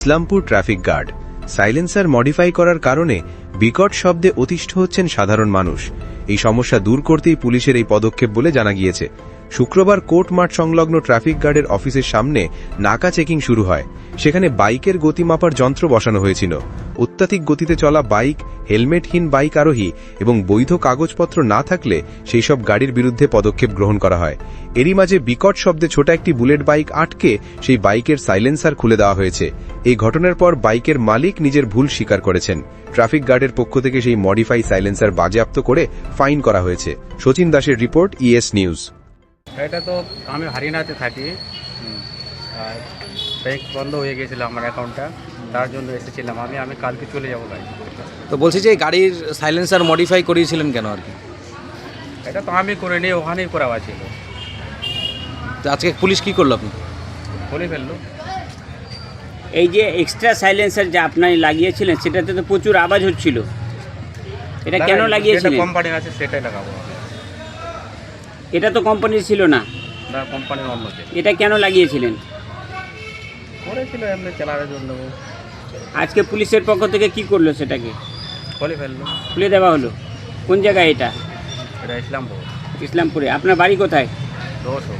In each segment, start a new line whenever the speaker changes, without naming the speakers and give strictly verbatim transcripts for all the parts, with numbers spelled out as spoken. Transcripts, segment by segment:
Islampur traffic guard silencer modify করার কারণে বিকট শব্দে অতিষ্ঠ হচ্ছেন সাধারণ মানুষ। এই সমস্যা দূর করতেই পুলিশের এই পদক্ষেপ বলে জানা গিয়েছে। শুক্রবার কোর্ট মাঠ সংলগ্ন ট্রাফিক গার্ডের অফিসের সামনে নাকা চেকিং শুরু হয়। সেখানে বাইকের গতি মাপার যন্ত্র বসানো হয়েছিল। অত্যাধিক গতিতে চলা বাইক, হেলমেটহীন বাইক আরোহী এবং বৈধ কাগজপত্র না থাকলে সেই সব গাড়ির বিরুদ্ধে পদক্ষেপ গ্রহণ করা হয়। এরই মাঝে বিকট শব্দে ছোট একটি বুলেট বাইক আটকে সেই বাইকের সাইলেন্সার খুলে দেওয়া হয়েছে। এই ঘটনার পর বাইকের মালিক নিজের ভুল স্বীকার করেছেন। ট্রাফিক গার্ডের পক্ষ থেকে সেই মডিফাই সাইলেন্সার বাজেয়াপ্ত করে ফাইন করা হয়েছে। সচিন দাসের রিপোর্ট, ইএস নিউজ।
এটা তো আমি হরিয়ানাতে থাকি, আর ব্যাংক বন্ধ হয়ে গেছিল আমার অ্যাকাউন্টটা, তার জন্য এসেছিলাম আমি আমি কালকে চলে যাবো ভাই।
তো বলছি যে গাড়ির সাইলেন্সার মডিফাই করিয়েছিলেন কেন আর কি?
এটা তো আমি করে নিয়ে ওখানেই করা ছিল।
তো আজকে পুলিশ কি করলো আপনি?
বলে ফেললো।
এই যে এক্সট্রা সাইলেন্সার যা আপনি লাগিয়েছিলেন সেটাতে তো প্রচুর আওয়াজ হচ্ছিল, এটা কেন লাগিয়েছিলেন?
কোম্পানির আছে সেটাই লাগাবো।
এটা তো কোম্পানির ছিল না।
না, কোম্পানির অন্য।
এটা কেন লাগিয়েছিলেন?
করেছিল এমনি চালানোর জন্য।
আজকে পুলিশের পক্ষ থেকে কি করলো সেটাকে?
বলে ফেললো,
খুলে দেওয়া হলো। কোন জায়গায় এটা?
এটা ইসলামপুর।
ইসলামপুরে। আপনার বাড়ি কোথায়?
দোষো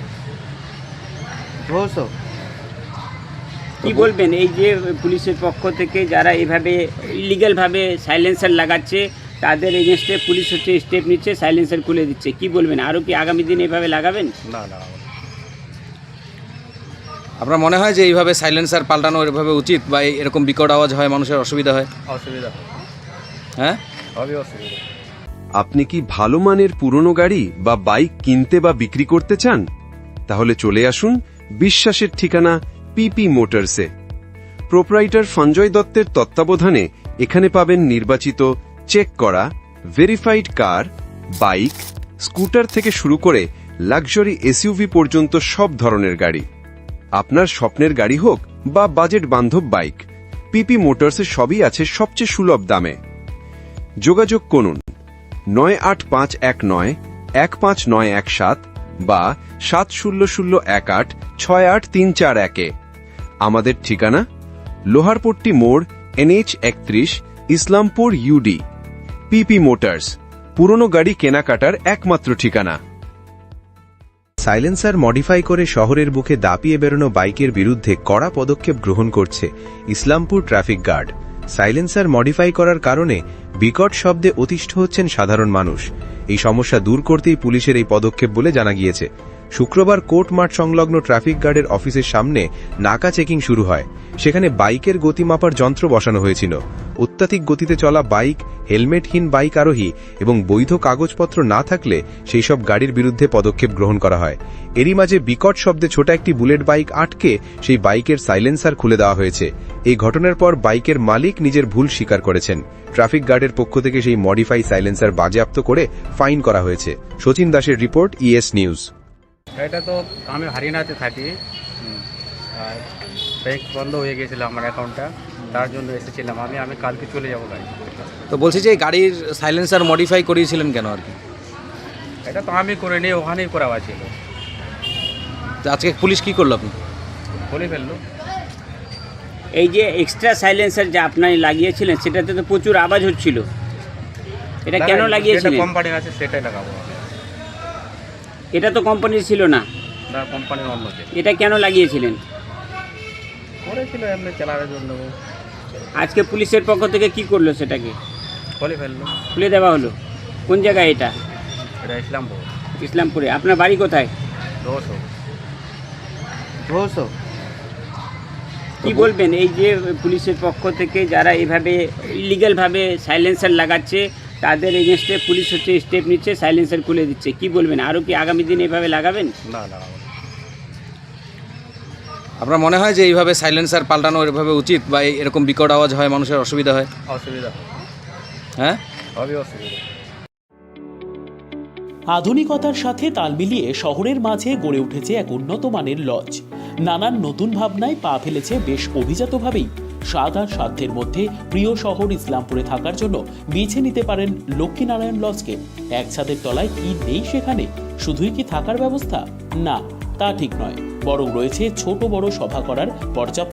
দোষো
কি বলবেন এই যে পুলিশের পক্ষ থেকে যারা এভাবে ইলিগ্যালভাবে সাইলেন্সার লাগাচ্ছে তাদের এগেনস্টে পুলিশ হচ্ছে স্টেপ নিচ্ছে, সাইলেন্সার খুলে দিচ্ছে, কি বলবেন? আরও কি আগামী দিন এভাবে লাগাবেন?
না না,
আপনার মনে হয় যে এইভাবে সাইলেন্সার পাল্টানো এভাবে উচিত, বা এরকম বিকট আওয়াজ হয় মানুষের অসুবিধা হয়?
অসুবিধা
হ্যাঁ,
হবে অসুবিধা।
আপনি কি ভালো মানের পুরনো গাড়ি বা বাইক কিনতে বা বিক্রি করতে চান? তাহলে চলে আসুন বিশ্বাসের ঠিকানা পিপি মোটরসে। প্রোপ্রাইটার সঞ্জয় দত্তের তত্ত্বাবধানে এখানে পাবেন নির্বাচিত, চেক করা, ভেরিফাইড কার, বাইক, স্কুটার থেকে শুরু করে লাক্সারি এসইউভি পর্যন্ত সব ধরনের গাড়ি। আপনার স্বপ্নের গাড়ি হোক বা বাজেট বান্ধব বাইক, পিপি মোটরসে সবই আছে সবচেয়ে সুলভ দামে। যোগাযোগ করুন নয় আট পাঁচ এক নয় এক পাঁচ নয় এক সাত বা সাত শূন্য শূন্য এক আট ছয় আট তিন চার একে। আমাদের ঠিকানা লোহারপট্টি মোড়, এনএইচ একত্রিশ, ইসলামপুর ইউডি। পিপি মোটরস, পুরনো গাড়ি কেনাকাটার একমাত্র ঠিকানা। সাইলেন্সার মডিফাই করে শহরের বুকে দাপিয়ে বেরোনো বাইকের বিরুদ্ধে কড়া পদক্ষেপ গ্রহণ করছে Islampur traffic guard. Silencer modify করার কারণে বিকট শব্দে অতিষ্ঠ হচ্ছেন সাধারণ মানুষ। এই সমস্যা দূর করতেই পুলিশের এই পদক্ষেপ বলে জানা গিয়েছে। শুক্রবার কোর্ট মাঠ সংলগ্ন ট্রাফিক গার্ডের অফিসের সামনে নাকা চেকিং শুরু হয়। সেখানে বাইকের গতি মাপার যন্ত্র বসানো হয়েছিল। অত্যাধিক গতিতে চলা বাইক, হেলমেটহীন বাইক আরোহী এবং বৈধ কাগজপত্র না থাকলে সেই সব গাড়ির বিরুদ্ধে পদক্ষেপ গ্রহণ করা হয়। এরই মাঝে বিকট শব্দে ছোট একটি বুলেট বাইক আটকে সেই বাইকের সাইলেন্সার খুলে দেওয়া হয়েছে। এই ঘটনার পর বাইকের মালিক নিজের ভুল স্বীকার করেছেন। ট্রাফিক গার্ডের পক্ষ থেকে সেই মডিফাই সাইলেন্সার বাজেয়াপ্ত করে ফাইন করা হয়েছে। সচিন দাসের রিপোর্ট, ইএস নিউজ।
এটা তো আমি হরিয়ানাতে থাকি, আর ব্যাংক বন্ধ হয়ে গেছিল আমার অ্যাকাউন্টটা, তার জন্য এসেছিলাম আমি আমি কালকে চলে যাবো ভাই।
তো বলছি যে গাড়ির সাইলেন্সার মডিফাই করিয়েছিলেন কেন আর কি?
এটা তো আমি করে নিয়ে ওখানেই করা ছিল।
তো আজকে পুলিশ কি করলো আপনি?
বলে ফেললো।
এই যে এক্সট্রা সাইলেন্সার যা আপনি লাগিয়েছিলেন সেটাতে তো প্রচুর আওয়াজ হচ্ছিল, এটা কেন লাগিয়েছিলেন?
কোম্পানির আছে সেটাই লাগাবো।
এটা তো কোম্পানির ছিল না।
না, কোম্পানির অন্য।
এটা কেন লাগিয়েছিলেন?
করেছিল এমনি চালানোর জন্য।
আজকে পুলিশের পক্ষ থেকে কি করলো সেটাকে?
বলে ফেললো,
খুলে দেওয়া হলো। কোন জায়গায় এটা?
এটা ইসলামপুর।
ইসলামপুরে। আপনার বাড়ি কোথায়?
দোষো
দোষো
কি বলবেন এই যে পুলিশের পক্ষ থেকে যারা এভাবে ইলিগ্যালভাবে সাইলেন্সার লাগাচ্ছে তাদের এগেনস্টে পুলিশ হচ্ছে স্টেপ নিচ্ছে, সাইলেন্সার খুলে দিচ্ছে, কি বলবেন? আরও কি আগামী দিন এভাবে লাগাবেন?
না না,
আপনার মনে হয় যে এইভাবে সাইলেন্সার পাল্টানো এভাবে উচিত, বা এরকম বিকট আওয়াজ হয় মানুষের অসুবিধা হয়?
অসুবিধা।
হ্যাঁ,
হবে অসুবিধা।
আধুনিকতার সাথে তাল মিলিয়ে শহরের মাঝে গড়ে উঠেছে এক উন্নত মানের লজ। নানান নতুন ভাবনায় পা ফেলেছে বেশ অভিজাতভাবেই। স্বাদ আর সাধ্যের মধ্যে প্রিয় শহর ইসলামপুরে থাকার জন্য বেছে নিতে পারেন লক্ষ্মীনারায়ণ লজকে। এক ছাদের তলায় কি নেই সেখানে? শুধুই কি থাকার ব্যবস্থা? না, তা ঠিক নয়, বরং রয়েছে ছোট বড় সভা করার পর্যাপ্ত